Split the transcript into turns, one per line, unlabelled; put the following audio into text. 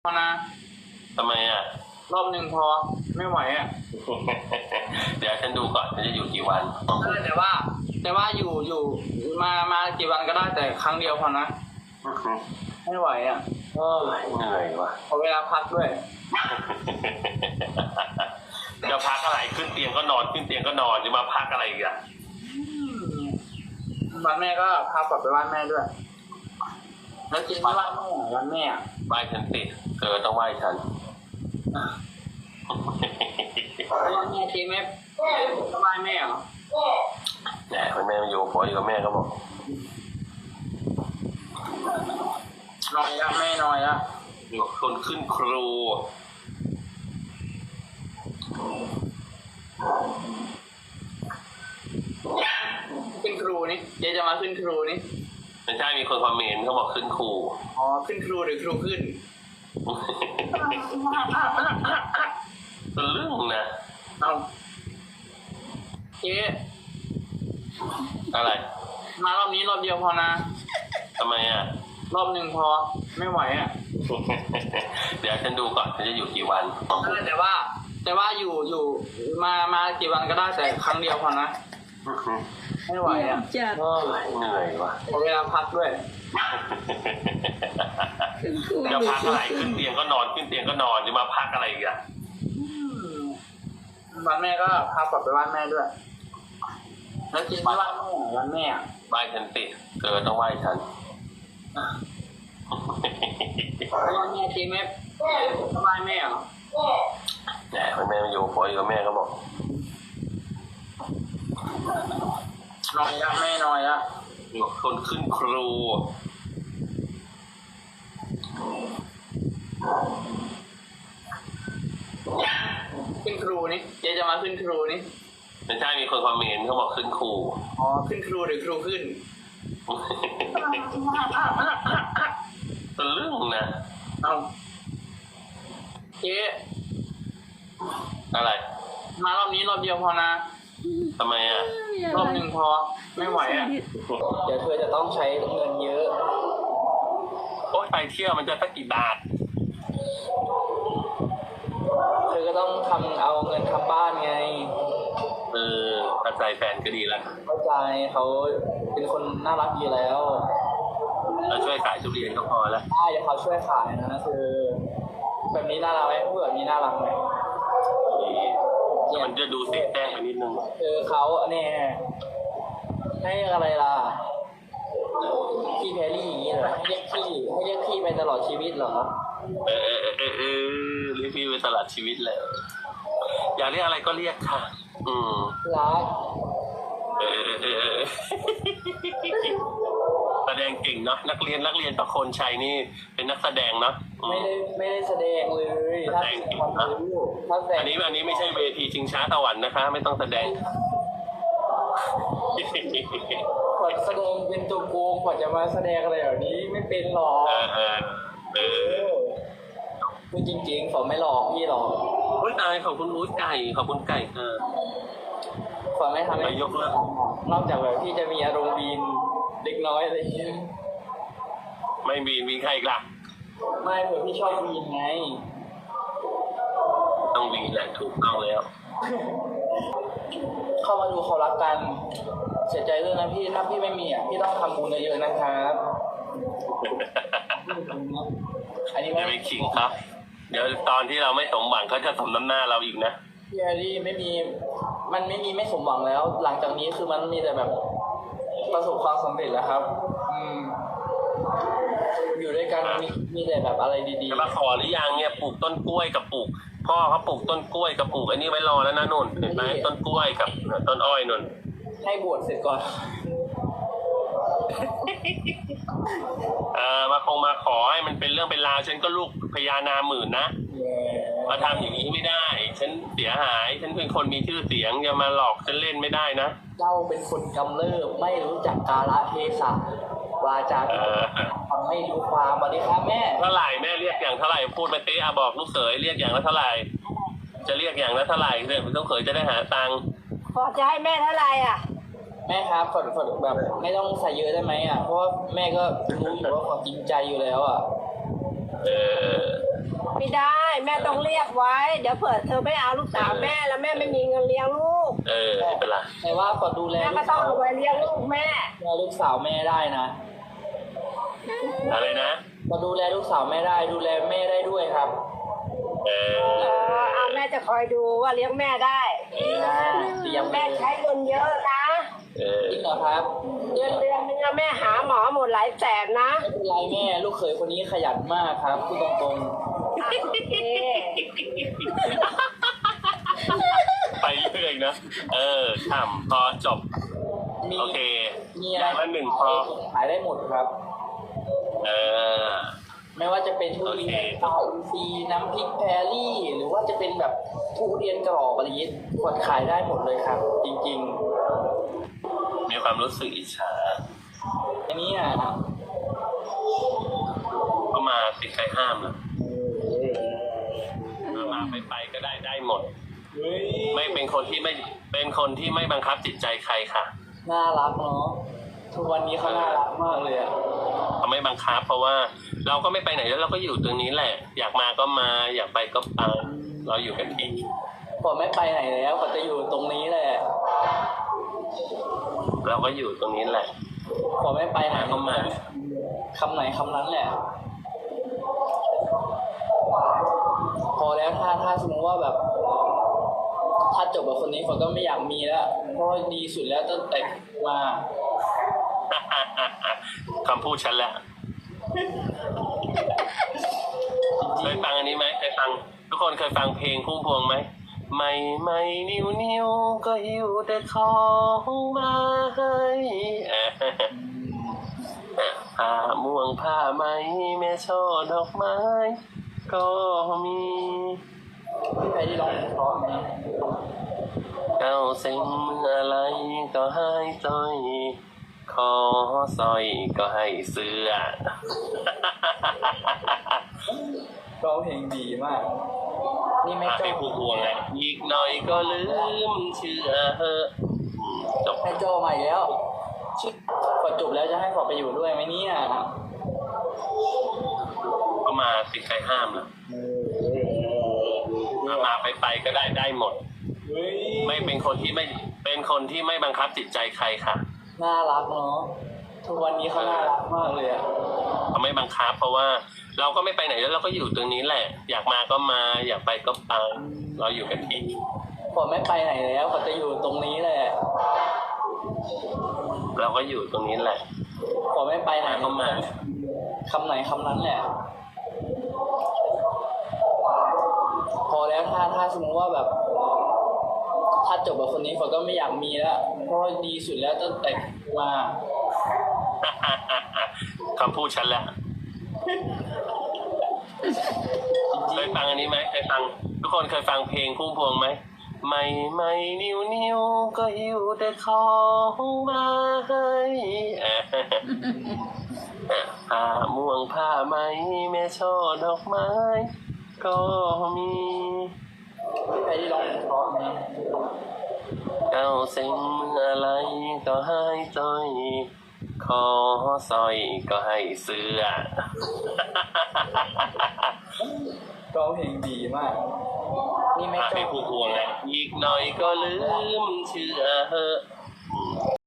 พอนะ
ทำไมอ่ะ
รอบหนึ่งพอไม่ไหวอ่ะ
เดี๋ยวฉันดูก่อนฉันจะอยู่กี่วัน
แต่ว่าอยู่มากี่วันก็ได้แต่ครั้งเดียวพอนะไม่ไหวอ่ะ
เหนื่อยว่ะ
ขอเวลาพักด้วย
จะพักอะไรขึ้นเตียงก็นอนขึ้นเตียงก็นอนจะมาพักอะไรอีกอ่ะ
วันแม่ก็พากลับไปบ้านแม่ด้วย แล้วกินที่บ้านแม่วันแม่อะ
ไหว้ฉันสิเธอต้องไหว้ฉัน
แล้ววันแม่ทีไหมสบายแม่เหรอ
แหมคุณแม่มาอยู่ผัวอยู่กับแม่ก็บอก
นอยละแม่นอยละ
อยู่กับคนขึ้นครู
ขึ้นครูนี่เจ๊จะมาขึ้นครูนี่
ไม่ใช่มีคนคอมเมนต์เขาบอกขึ้นครู
อ๋อขึ้นครูหรือครูขึ้น
ตะลึ่งนะ
เอาเจ๊
อะไร
มารอบนี้รอบเดียวพอนะ
ทำไมอ่ะ
รอบหนึ่งพอไม่ไหวอ่ะ
เดี๋ยวฉันดูก่อนฉันจะอยู่กี่วัน
แต่ว่าอยู่มากี่วันก็ได้แต่ครั้งเดียวพอนะไม่ไหวอ่ะ
จัด
เหนื่อยว่ะ
ขอเวลาพักด้วย
คุณครู
จะพักอะไรขึ้นเตียงก็นอนขึ้นเตียงก็นอนจะมาพักอะไรอีกอ่ะ
วันแม่ก็พากลับไปบ้านแม่ด้วย แล้วกินที่บ้านแม่วันแม่อะ
ไหว้ฉันสิเธอต้องไหว้ฉัน
แล้ววันแม่ทีไหมสบายแม่เหรอ
แหมคุณแม่มาอยู่ผัวอยู่กับแม่ก็บอก
นอยละแม่นอยละ
อยู่กับคนขึ้นครู
ขึ้นครูนี่เจ๊จะมาขึ้นครูนี่
ไม่ใช่มีคนคอมเมนต์เขาบอกขึ้นครู
อ๋อขึ้นครูหรือครูขึ้น
ตะลึ่งนะ
เอาเจ๊
อะไร
มารอบนี้รอบเดียวพอนะ
ทำไมอ่ะ
รอบหนึ่งพอไม่ไหวอ่ะ เดี๋ยวเธอจะต้องใช้เงินเยอะ
โอ๊ยไปเที่ยวมันจะสักกี่บาท
เธอก็ต้องเอาเงินทำบ้านไง
เข้าใจแฟนก็ดีแล้ว
เข้าใจเขาเป็นคนน่ารักดีแล้ว
เราช่วยขายทุเรียนก็พอแล้ว
ได้เดี๋ยวเขาช่วยขายนะคือแบบนี้น่ารักไหมพูดแบบนี้น่ารักไหม
มันจะดูเสียแจ้งไปนิดนึง
คือเขาเนี่ยให้อะไรล่ะพี่แพรรี่อย่างนี้เหรอให้เรียกพี่ไปตลอดชีวิตเหรอ
เรียกพี่ไปตลอดชีวิตเลย อยากเรียกอะไรก็เรียกค่ะ
รัก
แสดงเก่งเนาะนักเรียนประโคนชัยนี่เป็นนักแสดงเนาะ
ไม่ได้แสดงเลยถ้าแสดงความรู้ถ้าแสดง
อันนี้ไม่ใช่เวทีชิงช้าสวรรค์นะคะ ไม่ต้องแสดง
กว่าแสดงเป็นตัวโกงกว่าจะมาแสดงอะไรแบบนี้ไม่เป็นหรอกพูดจริงๆฝอไม่หลอกพี่หรอก
อุ้ยตายขอบคุณอุ้ยไก่ขอบคุณไก่ค่ะ
ฝอไม่ทำให้
ไปยกเลิก
นอกจากแบบพี่จะมีอารมณ์วีนเด็กน้อยอะไรอย่างเงี้ย
ไม่มีใครอีกล่ะ
ไม่เผื่อพี่ชอบวีนไง
ต้องวีแหละถูกต้องแล้ว
เข้ามาดูเขารักกัน เสียใจด้วยนะพี่ถ้าพี่ไม่มีอ่ะพี่ต้องทำบุญเยอะๆนะครับอันนี้
ไม่ขิงครับ เดี๋ยวตอนที่เราไม่สมหวังเขาจะสมน้ำหน้าเราอีกนะ
พี่แฮร์รี่ไม่มีไม่สมหวังแล้ว หลังจากนี้คือมันมีแต่แบบประสบความสำเร็จแล้วครับ อยู่ด้วยกันมีแต่แบบอะไรดี
จะมาขอหรือยังเนี่ยปลูกต้นกล้วยกับปลูก พ่อเขาปลูกต้นกล้วยกับปลูกอันนี้ไว้รอแล้วนะนุ่นเห็นไหมต้นกล้วยกับต้นอ้อยนุ่น
ๆให้บวชเสร็จก่อน
มาขอให้มันเป็นเรื่องเป็นราวฉันก็ลูกพญานาหมื่นนะมาทำอย่างนี้ไม่ได้ ฉันเสียหายฉันเป็นคนมีชื่อเสียงอย่ามาหลอกฉันเล่นไม่ได้นะ
เจ้าเป็นคนกำเริบไม่รู้จักกาลเทศะวาจาฟังไม่รู้ความสวัสดีครับแม่
เท่าไหร่แม่เรียกอย่างเท่าไหร่พูดมาเต๊ะบอกลูกเขยเรียกอย่างละเท่าไหร่จะเรียกอย่างละเท่าไหร่เนี่ยลูกเขยจะได้หาตังค์
พอจะให้แม่เท่าไหร่อ่ะ
แม่ครับขอแบบไม่ต้องใส่เยอะได้ไหมอ่ะเพราะว่าแม่ก็รู้อยู่ว่าความจริงใจอยู่แล้วอ่ะ
เ
แม่ต้องเรียกไว้ เดี๋ยวเผื่อเธอไม่เอาลูกสาวแม่แล้วแม่ไม่มีเงินเลี้ยงลูก
ไม่เป็นไร
แต่ว่าขอดูแล
แม่
ลู
ก็
ก
ต้อ
สาง ว
เอาไว้เลี้ยงลูกแม่
ลูกสาวแม่ได้นะ
อะไรนะ
ขอดูแลลูกสาวแม่ได้ดูแลแม่ได้ด้วยครับ
เอาแม่จะคอยดูว่าเลี้ยงแม่ได้
เตรียม
แม่ใช้เงินเยอะนะ
จริงเหรอครับ
เดือนนึงอะแม่หาหมอหมดหลายแสนนะ
ไม่เป็นไรแม่ลูกเขยคนนี้ขยันมากครับพูดตรง
ไปเรื่อยนะทำพอจบ
ๆมี
โอเค
มี
อ
อะไร
ย่างละหนึ่งพอ
ขายได้หมดครับ
เออ
ไม่ว่าจะเป็นทุเรียน
โอเค
ปลาอินทรีย์น้ำพริกแพรรี่ หรือว่าจะเป็นแบบทุเรียนกรอบอะไรอย่างนี้กดขายได้หมดเลยครับ จริง
มีความรู้สึกอิจฉา
ๆอันนี้อ่ะ
ก็มาติดใครห้ามนะมาไปก็ได้หมด
เฮ้ย
ไม่เป็นคนที่ไม่เป็นคนที่ไม่บังคับจิตใจใครค่ะ
น่ารักเนาะทุกวันนี้เขาน่ารักมากเลยอ่ะ
เขาไม่บังคับเพราะว่าเราก็ไม่ไปไหนแล้วเราก็อยู่ตรงนี้แหละ อยากมาก็มาอยากไปก็ไปเราอยู่กันที่
ผมไม่ไปไหนแล้วเขาจะอยู่ตรงนี้แหละ
เราก็อยู่ตรงนี้แหละ
ผมไม่ไปไหน
ก็มา
คำไหนคำนั้นแหละ พอแล้วถ้าสมมติว่าแบบ ถ้าจบกับคนนี้ผมก็ไม่อยากมีแล้วเพราะดีสุดแล้วตั้งแต่มา
คำพูดฉันแหละเคยฟังอันนี้ไหมเคยฟัง ทุกคนเคยฟังเพลงพุ่มพวงไหมไม่นิ้วก็หิวแต่ของมาให้ผ้าม่วงผ้าไหมแม่ช่อดอกไม้ ก็มี
พี่ใครที่ร้องเพราะนะ
เก้าเซ็งเมื่อไรก็ให้จ้อยคอซอยก็ให้เสื้อ
ร้องเพลงดีมาก นี่ไม่
มา
จ
ให้
บ
ผู้พวงไงอีกหน่อยก็ลืมเชื่อจบ
ให้โจมาอีกแล้วชิพอจบแล้วจะให้ขอไปอยู่ด้วยไหมเนี่ย
ก็มาติดใครห้ามนะมาไปก็ได้หมด
เฮ้ย
ไม่เป็นคนที่ไม่เป็นคนที่ไม่บังคับจิตใจใครค่ะ
น่ารักเนาะทุกวันนี้เขาน่ารักมากเลยอะ
เขาไม่บังคับเพราะว่าเราก็ไม่ไปไหนแล้วเราก็อยู่ตรงนี้แหละ อยากมาก็มาอยากไปก็ไปเราอยู่กันที่
ผมไม่ไปไหนแล้วเขาจะอยู่ตรงนี้แหละ
เราก็อยู่ตรงนี้แหละ
ผมไม่ไปไหน
ก็มา
คำไหนคำนั้นแหละ พอแล้วถ้าสมมติว่าแบบ ถ้าจบกับคนนี้ผมก็ไม่อยากมีแล้วเพราะดีสุดแล้วตั้งแต่มา
คำพูดฉันแหละเคยฟังอันนี้ไหมเคยฟัง ทุกคนเคยฟังเพลงพุ่มพวงไหมไม่นิ้วก็หิวแต่ของมาให้ผ้าม่วงผ้าไหมแม่ช่อดอกไม้ ก็มี
พี่ใครที่ร้องเพราะนะ
เก้าเซ็งเมื่อไรก็ให้จ้อยคอซอยก็ให้เสื้อ
ร้องเพลงดีมาก นี่ไม่
มา
จ
ให้
บ
ผู้พวงไงอีกหน่อยก็ลืมเชื่อ